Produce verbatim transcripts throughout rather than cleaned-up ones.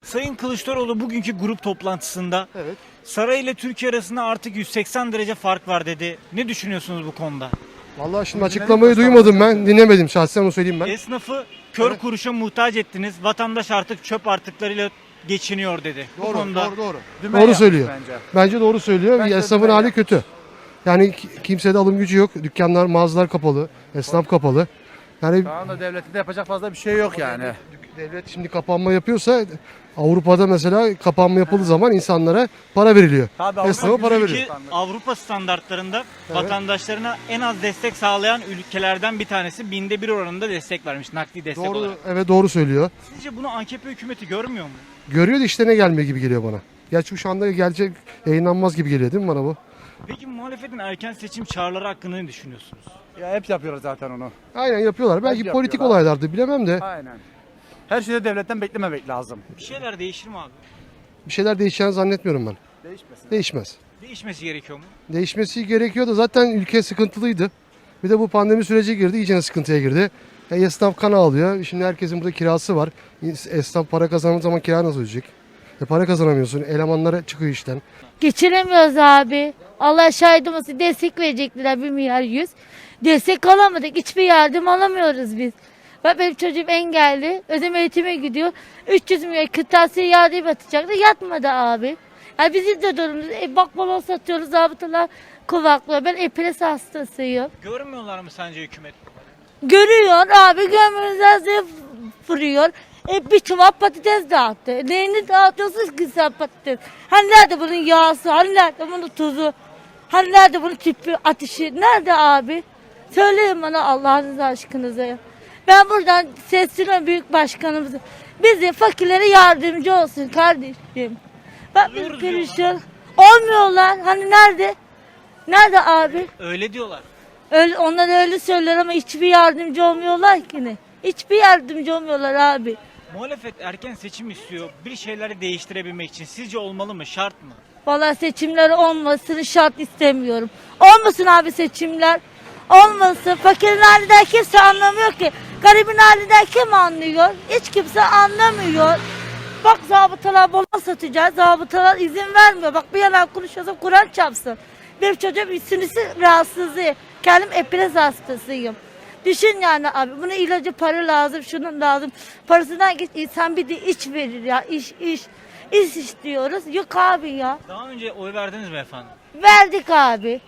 Sayın Kılıçdaroğlu bugünkü grup toplantısında Evet. saray ile Türkiye arasında artık yüz seksen derece fark var dedi. Ne düşünüyorsunuz bu konuda? Vallahi şimdi açıklamayı duymadım ben. Dinlemedim şahsen, onu söyleyeyim ben. Esnafı kör Evet. kuruşa muhtaç ettiniz. Vatandaş artık çöp artıklarıyla geçiniyor dedi. bu Doğru, konuda doğru, doğru. Dümen Doğru yapmış söylüyor. Bence. Bence doğru söylüyor. Bence Esnafın dümen hali yapmış. kötü. Yani ki- kimsede alım gücü yok. Dükkanlar, mağazalar kapalı. Esnaf kapalı. Yani Şu anda devletin de yapacak fazla bir şey yok yani. devlet şimdi kapanma yapıyorsa, Avrupa'da mesela kapanma yapıldığı zaman insanlara para veriliyor. Tabii Avrupa Esnafa para Ülke veriyor. Avrupa standartlarında Evet. vatandaşlarına en az destek sağlayan ülkelerden bir tanesi, binde bir oranında destek vermiş, nakdi destek Doğru, olarak. evet doğru söylüyor. Sizce bunu A K P hükümeti görmüyor mu? Görüyor da işlerine gelmiyor gibi geliyor bana. Gerçi şu anda gelecek, yayınlanmaz gibi geliyor değil mi bana bu? Peki muhalefetin erken seçim çağrıları hakkında ne düşünüyorsunuz? Ya hep yapıyorlar zaten onu. Aynen yapıyorlar. Belki Bence politik yapıyorlar. olaylardı, bilemem de. Aynen. Her şeyde devletten beklememek lazım. Bir şeyler değişir mi abi? Bir şeyler değişeceğini zannetmiyorum ben. Değişmesin. Değişmez. Değişmesi gerekiyor mu? Değişmesi gerekiyor da zaten ülke sıkıntılıydı. Bir de bu pandemi süreci girdi, iyice sıkıntıya girdi. E, esnaf kan ağlıyor. Şimdi herkesin burada kirası var. Esnaf para kazandığı zaman kira nasıl ödeyecek? E, para kazanamıyorsun. Elemanlara çıkıyor işten. Geçiremiyoruz abi. Allah şahidim olsun, destek verecekler bir milyar yüz. Destek alamadık. Hiçbir yardım alamıyoruz biz. Bak benim çocuğum engelli. Özel eğitime gidiyor. üç yüz milyon kırtasiye yardım atacaktı. Yatmadı abi. Yani bizim de durumumuz. E, bak balon satıyoruz. Zabıtalar kuvaklıyor. Ben epilepsi hastasıyım. Görmüyorlar mı sence hükümet? Görüyor abi. Gömülüzden vuruyor. E, bir çuval patates dağıttı. Neyini dağıtıyorsunuz ki sen patates? Hani nerede bunun yağsı? Hani nerede bunun tuzu? Hani nerede bunun tüpü, ateşi? Nerede abi? Söyleyin bana Allah'ınız aşkınıza ya. Ben buradan sesleniyorum büyük başkanımıza. Bize fakirlere yardımcı olsun kardeşim. Bak biz Oluyoruz perişan. Olmuyorlar. Hani nerede? Nerede abi? Öyle diyorlar. Öyle, onlar öyle söyler ama hiçbir yardımcı olmuyorlar ki ne? Hiçbir yardımcı olmuyorlar abi. Muhalefet erken seçim istiyor. Bir şeyleri değiştirebilmek için. Sizce olmalı mı? Şart mı? Vallahi seçimler olmasını şart istemiyorum. Olmasın abi seçimler. Olmasın. Fakirin halinden kimse anlamıyor ki. Garibin halinden kim anlıyor? Hiç kimse anlamıyor. Bak zabıtalar balon satacağız. Zabıtalar izin vermiyor. Bak bir yalan konuşuyorsam Kur'an çarpsın. Benim çocuğum sinüsü rahatsızlığı. Kendim epilepsi hastasıyım. Düşün yani abi. Buna ilacı para lazım. Şunun lazım. Parasından geç insan bir de iç verir ya. İş iş. İş istiyoruz. Yok abi ya. Daha önce oy verdiniz mi efendim? Verdik abi.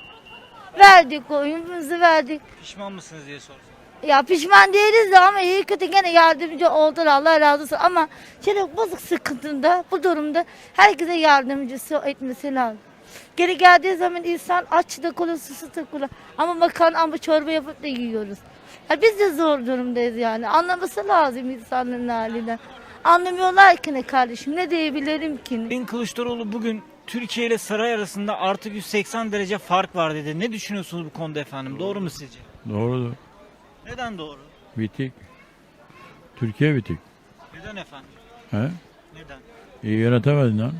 Verdik oyunumuzu verdik. Pişman mısınız diye sorsam. Ya pişman değiliz de ama iyi kötü gene yardımcı oldular, Allah razı olsun. Ama şimdi bozuk sıkıntında, bu durumda herkese yardımcısı etmesi lazım. Geri geldiği zaman insan aç da kula, susuz da kula. Ama makarna ama çorba yapıp da yiyoruz. Ya biz de zor durumdayız yani. Anlaması lazım insanların halinden. Anlamıyorlar ki ne kardeşim, ne diyebilirim ki ne? Sayın Kılıçdaroğlu bugün Türkiye ile saray arasında artık yüz seksen derece fark var dedi. Ne düşünüyorsunuz bu konuda efendim? Doğru mu sizce? Doğrudur. Neden doğru? Bitik. Türkiye bitik. Neden efendim? He? Neden? İyi yönetemedin lan.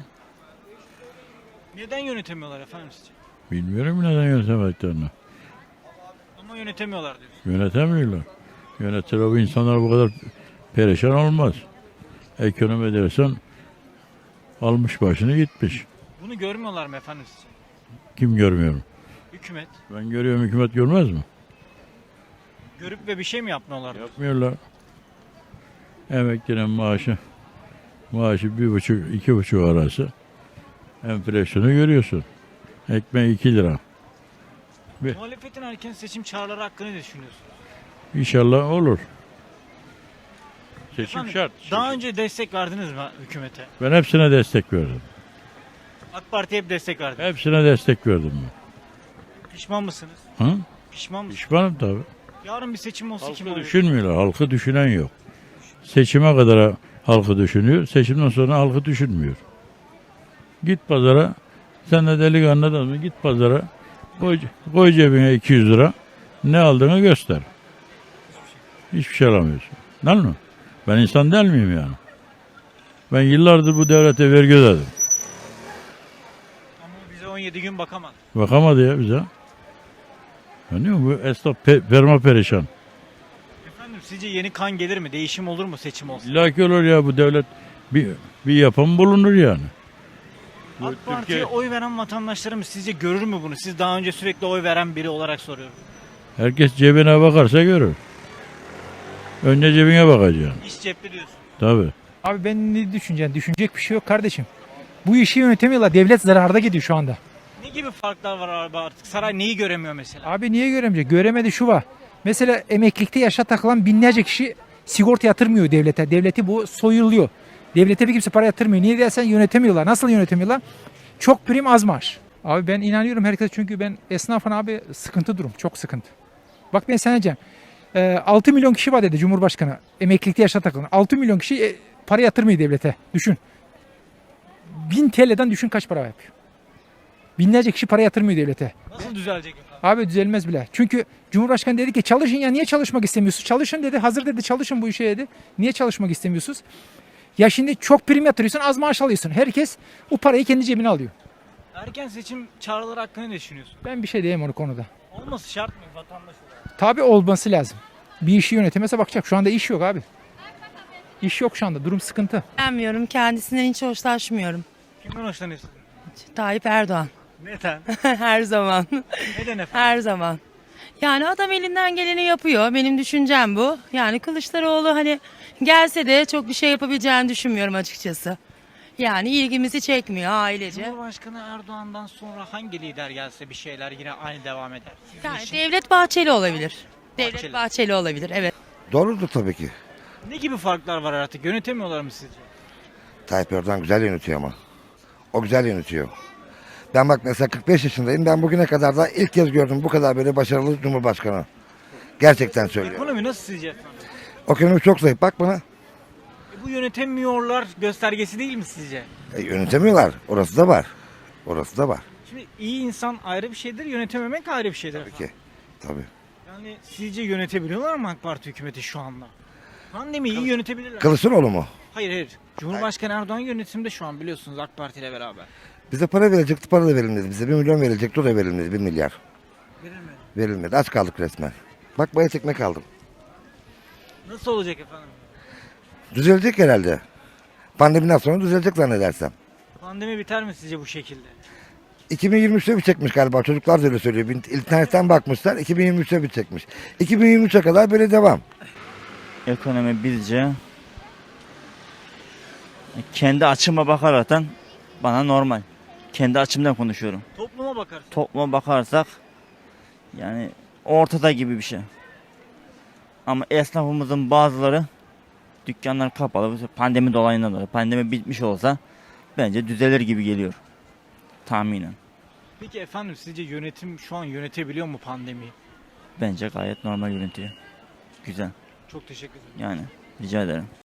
Neden yönetemiyorlar efendim sizce? Bilmiyorum neden yönetemediklerini. Ama yönetemiyorlar diyorsun. Yönetemiyorlar. Yönetseler bu insanlar bu kadar perişan olmaz. Ekonomi dersen almış başını gitmiş. Bunu görmüyorlar mı efendim sizce? Kim görmüyorum. Hükümet. Ben görüyorum, hükümet görmez mi? Görüp ve bir şey mi yapmıyorlar? Yapmıyorlar. Emeklinin maaşı maaşı bir buçuk, iki buçuk arası. Enflasyonu görüyorsun. Ekmeği iki lira. Muhalefetin erken seçim çağrıları hakkında ne düşünüyorsunuz? İnşallah olur. Seçim Efendim, şart. Daha önce destek verdiniz mi hükümete? Ben hepsine destek verdim. AK Parti'ye hep destek verdiniz. Hepsine destek verdim ben. Pişman mısınız? Hı? Pişman mısınız? Pişmanım tabii. Yarın bir seçim olsa kim Halkı oy verir? düşünmüyorlar. Halkı düşünen yok. Seçime kadar halkı düşünüyor. Seçimden sonra halkı düşünmüyor. Git pazara. Sen de delikanlı adamsın. Git pazara. Koy, koy cebine iki yüz lira. Ne aldığını göster. Hiçbir şey alamıyorsun. Değil mi? Ben insan değil miyim yani? Ben yıllardır bu devlete vergi ödedim. Ama bize on yedi gün bakamaz. Bakamadı ya bize. Anlıyor musun? Bu esnaf pe perma perişan. Efendim sizce yeni kan gelir mi? Değişim olur mu seçim olsa? İlla ki olur ya, bu devlet Bir, bir yapım bulunur yani. Bu AK Parti'ye Türkiye- oy veren vatandaşlarımız sizce görür mü bunu? Siz daha önce sürekli oy veren biri olarak soruyorum. Herkes cebine bakarsa görür. Önce cebine bakacaksın. İş cepte diyorsun. Tabii. Abi ben ne düşüneceğim? Düşünecek bir şey yok kardeşim. Bu işi yönetemiyorlar. Devlet zararda gidiyor şu anda. Ne gibi farklar var abi artık? Saray neyi göremiyor mesela? Abi niye göremeyecek? Göremedi şu var. Mesela emeklilikte yaşa takılan binlerce kişi sigorta yatırmıyor devlete. Devleti bu soyuluyor. Devlete bir kimse para yatırmıyor. Niye dersen yönetemiyorlar. Nasıl yönetemiyorlar? Çok prim az maaş. Abi ben inanıyorum herkes çünkü ben esnafın abi sıkıntı durum. Çok sıkıntı. Bak ben sana diyeceğim. Ee, altı milyon kişi var dedi Cumhurbaşkanı. Emeklilikte yaşa takılan. altı milyon kişi e, para yatırmıyor devlete. Düşün. bin T L'den düşün kaç para yapıyor. Binlerce kişi para yatırmıyor devlete. Nasıl düzelecek efendim? Abi düzelmez bile. Çünkü Cumhurbaşkanı dedi ki çalışın ya niye çalışmak istemiyorsunuz? Çalışın dedi. Hazır dedi çalışın bu işe dedi. Niye çalışmak istemiyorsunuz? Ya şimdi çok prim yatırıyorsun az maaş alıyorsun. Herkes o parayı kendi cebine alıyor. Erken seçim çağrıları hakkında ne düşünüyorsun? Ben bir şey diyeyim o konuda. Olması şart mı vatandaş olarak? Tabii olması lazım. Bir işi yönetemese bakacak. Şu anda iş yok abi. İş yok şu anda. Durum sıkıntı. Beğenmiyorum. Kendisinden hiç hoşlaşmıyorum. Kimden hoşlanıyorsun? Tayyip Erdoğan. Neden? Her zaman. Neden efendim? Her zaman. Yani adam elinden geleni yapıyor. Benim düşüncem bu. Yani Kılıçdaroğlu hani gelse de çok bir şey yapabileceğini düşünmüyorum açıkçası. Yani ilgimizi çekmiyor ailece. Cumhurbaşkanı Erdoğan'dan sonra hangi lider gelse bir şeyler yine aynı devam eder? Sizin Yani için Devlet Bahçeli olabilir. Bahçeli. Devlet Bahçeli olabilir evet. Doğrudur tabii ki. ne gibi farklar var artık? Yönetemiyorlar mı sizce? Tayyip Erdoğan güzel yönetiyor ama. O güzel yönetiyor. Ben bak mesela kırk beş yaşındayım. Ben bugüne kadar da ilk kez gördüm bu kadar böyle başarılı Cumhurbaşkanı. Gerçekten söylüyorum. Ekonomi nasıl sizce efendim? Ekonomi çok zayıf. Bak bana. E, bu yönetemiyorlar göstergesi değil mi sizce? E, yönetemiyorlar. Orası da var. Orası da var. Şimdi iyi insan ayrı bir şeydir, yönetememek ayrı bir şeydir. Tabii ki. Tabii. Yani sizce yönetebiliyorlar mı AK Parti hükümeti şu anda? Pandemiyi iyi yönetebilirler. Kılıçdaroğlu mu? Hayır hayır. Cumhurbaşkanı Erdoğan yönetimde şu an biliyorsunuz AK Parti ile beraber. Bize para verecekti. Para da verilmedi. Bize bir milyon verilecekti. O da verilmedi. Bir milyar. Verilmedi. Verilmedi. Aç kaldık resmen. Bak bayat ekmek aldım. Nasıl olacak efendim? Düzelecek herhalde. Pandemiden sonra düzelecek zannedersem. Pandemi biter mi sizce bu şekilde? iki bin yirmi üçte bitecekmiş galiba. Çocuklar da öyle söylüyor. İnternetten bakmışlar. iki bin yirmi üçte bitecekmiş. iki bin yirmi üçe kadar böyle devam. Ekonomi bizce kendi açıma bakaraktan bana normal. Kendi açımdan konuşuyorum. Topluma bakarsın. Topluma bakarsak yani ortada gibi bir şey. Ama esnafımızın bazıları dükkanlar kapalı. Pandemi dolayından dolayı. Pandemi bitmiş olsa bence düzelir gibi geliyor. Tahminen. Peki efendim sizce yönetim şu an yönetebiliyor mu pandemiyi? Bence gayet normal yönetiyor. Güzel. Çok teşekkür ederim. Yani rica ederim.